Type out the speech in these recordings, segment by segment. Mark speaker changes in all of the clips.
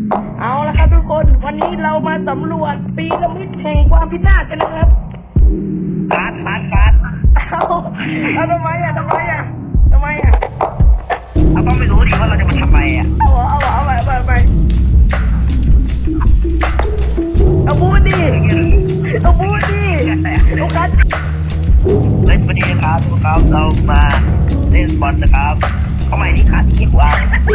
Speaker 1: เอาละครับทุกคนวันนี้เรามาสำรวจปีระมิดแห่งความพินาศกันนะครับ
Speaker 2: การ
Speaker 1: เอาทำไมอ่ะเรา
Speaker 2: ต้องไม่รู้ดิว่าเราจะมาทำไมอ่ะ
Speaker 1: ไปเอาบูดดิลูกคัส
Speaker 2: เล่นวันนี้ครับทุกครับเรามาเล่นบอลนะครับเข้าใหม่ที่ขาที่กว่า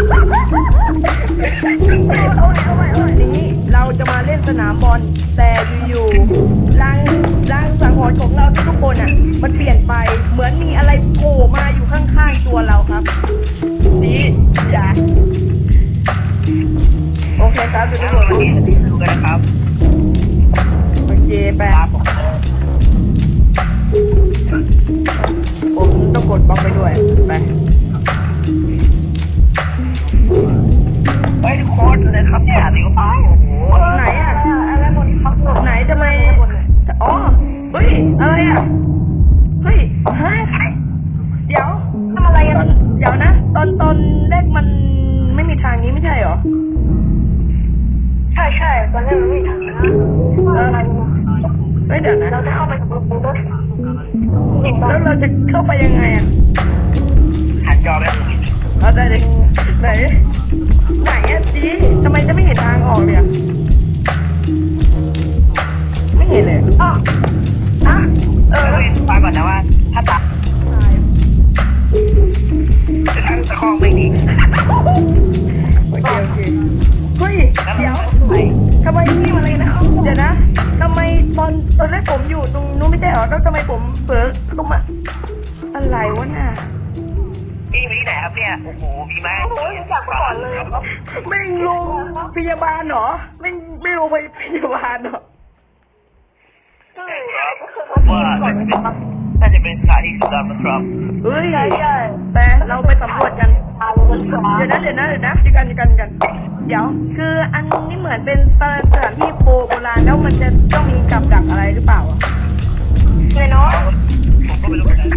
Speaker 1: นี้เราจะมาเล่นสนามบอลแต่อยู่ๆร่างสังหรณ์ของเราทุกคนอ่ะมันเปลี่ยนไปเหมือนมีอะไรโผล่มาอยู่ข้างๆตัวเราครับนี่จ้ะโอเคครับทุกคน
Speaker 2: วันนี้ดูกันนะครับ
Speaker 1: โอเคไปผมต้องกดบล็อกไปด้วยไป
Speaker 2: ทุกคนเลยครับเนี่ยสิครับ
Speaker 1: ไหนอ่ะอะไรหมดครับไหนทำไมอ๋อเฮ้ยอะไรอ่ะเฮ้ยเดี๋ยวทำอะไรกันเดี๋ยวนะตอนแรกมันไม่มีทางนี้ไม่ใช่หรอ
Speaker 3: ใช่ตอนแรกมันไม่มีทางนะ
Speaker 1: เฮ้ยเดี๋ยวนะ
Speaker 3: เราจะเข้าไปกับรถ
Speaker 1: แล้วเราจะเข้าไปยังไงอ่ะ
Speaker 2: หันจอไป
Speaker 1: เอาได้เลยไหนอ่ะจีทำไมจะไม่เห็นทางออกเลยไม่เห็นเลย
Speaker 2: ฟังก่อนนะว่าถ้าตาจะทั้งตะคองไม่ดี
Speaker 1: โอเคเฮ้ยเดี๋ยวทำไมนี่อะไรนะเดี๋ยวนะทำไมตอนแรกผมอยู่ตรงนู้นไม่ใช่หรอแล้วทำไมผมเผลอลงมาอะไรวะน่ะ
Speaker 2: พี่มีไหนครับเนี่ยโอ้โหมีไหม
Speaker 3: จากก่อนเลย
Speaker 1: ไม่ลงพยาบาลเหรอไม่ลงไปพยาบาลเหรอ
Speaker 2: ว่าน่าจะเป็นสถานที่สุดยอดนะครับ
Speaker 1: เฮ้ยแต่เราไปสำรวจกันเดี๋ยวนะเดี๋ยวกันเดี๋ยวคืออันนี้เหมือนเป็นสถานที่โบราณแล้วมันจะต้องมีกับดักอะไรหรือเปล่าอ่ะ
Speaker 3: เลยเนาะ
Speaker 2: ผมก็ไม่รู้เหมือนกัน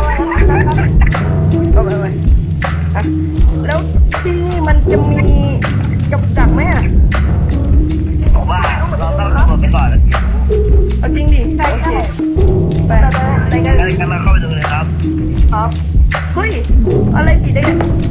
Speaker 1: แล้วที่นี่มันจะมีกับดักไหมอ่ะ
Speaker 2: ผมว่าเราต้องสำรวจไปก่อนแล้ว
Speaker 1: เอาจริงดิใช่ไป
Speaker 2: กันมาเข้าไปดูเลยครับ
Speaker 1: เฮ้ยอะไรผิดได้ไง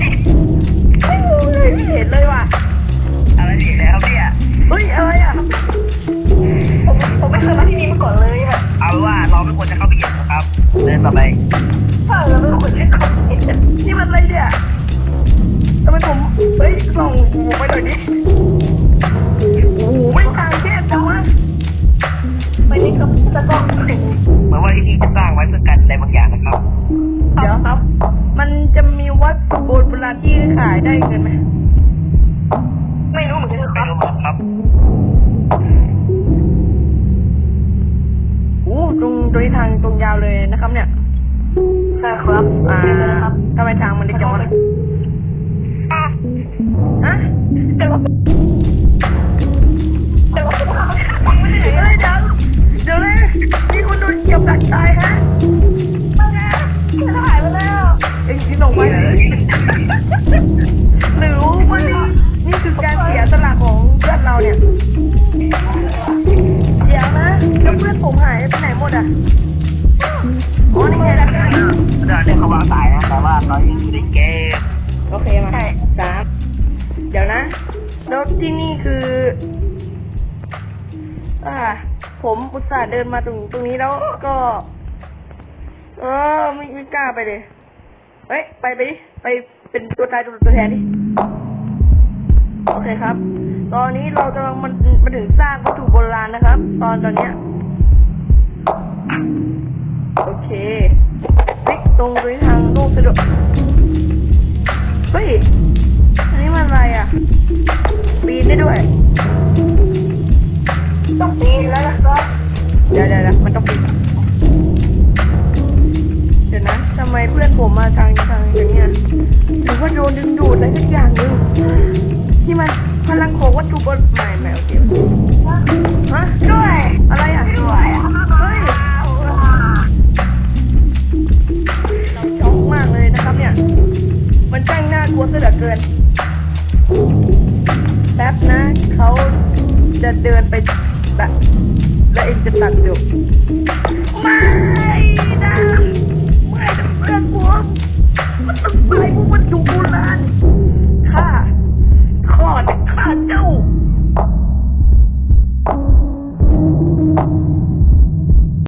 Speaker 1: ไม่เห็นเลยว่ะ
Speaker 2: อะไรผิดแล้วเนี่ย
Speaker 1: เฮ้ยอะไรอ่ะ
Speaker 3: ผมไม่เคยมาที่นี่มาก่อนเลยค่ะ
Speaker 2: เอาว่าเราไม่ควรจะเข้าไปเหยียบนะครับเดินต่อไป
Speaker 3: เราไม่ควรจะเข้าไป
Speaker 1: นี่มันอะไรเนี่ยทำไมผมเฮ้ยส่องไปหน่อยดิโอ้โหไม่ทางแคบจังวะ
Speaker 3: ไปนี่ครับแล้วก็
Speaker 2: เหมือนว่าที่นี่จะสร้างไว้เพื่อกันอะไรบางอย่างนะครับ
Speaker 1: เดี๋ยวครับมันจะมีวัตถุโบราณที่ขายได้เงินไหม
Speaker 3: ไม่รู้เหมือนกัน
Speaker 2: ครับ
Speaker 1: โอ้ตรงทางตรงยาวเลยนะครับเนี่ย
Speaker 3: ใช่ครับ
Speaker 1: ทำไมทางมันเล็กจังวะฮะเดี๋ยวเลยนี่คุณโดนเกี่ยวกับตายฮะ
Speaker 3: หายไปแล้ว
Speaker 1: เอ็งคิดลงไปหรือว่านี่คือการเสียสละของเพื่อนเราเนี่ยเดี๋ยวนะแล้วเพื่อนผมหายไปไหนหมดอ่ะอ๋อนี่ไงล่ะ
Speaker 2: เดี๋ยวเขาวางสายนะแต่ว่าตอนนี้อยู่ในเกม
Speaker 1: โอเคมา3เดี๋ยวนะแล้วที่นี่คือผมอุตส่าห์เดินมาตรงนี้แล้วก็ไม่กล้าไปเลยเฮ้ยไปเป็นตัวตายตัวแทนดิโอเคครับตอนนี้เรากำลังมาถึงสร้างวัตถุโบราณนะครับตอนเนี้ยโอเคตรงทางโลกสะดวกเฮ้ยอันนี้มันอะไรอ่ะปีนได้ด้วย
Speaker 3: ต้องปีนแล้วนะครับ
Speaker 1: เดี๋ยวมันต้องปีนเดี๋ยวนะทำไมเพื่อนผมมาทางอย่างเงี้ยหรือว่าโดนดึงดูดอะไรสักอย่างนึงที่มันพลังของวัตถุโบราณโอเคฮะ
Speaker 3: ด้วย
Speaker 1: อะไรอ่ะ
Speaker 3: ด้วย
Speaker 1: เฮ้ยเราช็อกมากเลยนะครับเนี่ยมันช่างน่ากลัวซะเหลือเกินแป๊บนะจะเดินไปตัดแล้วเองจะตัดจบไม่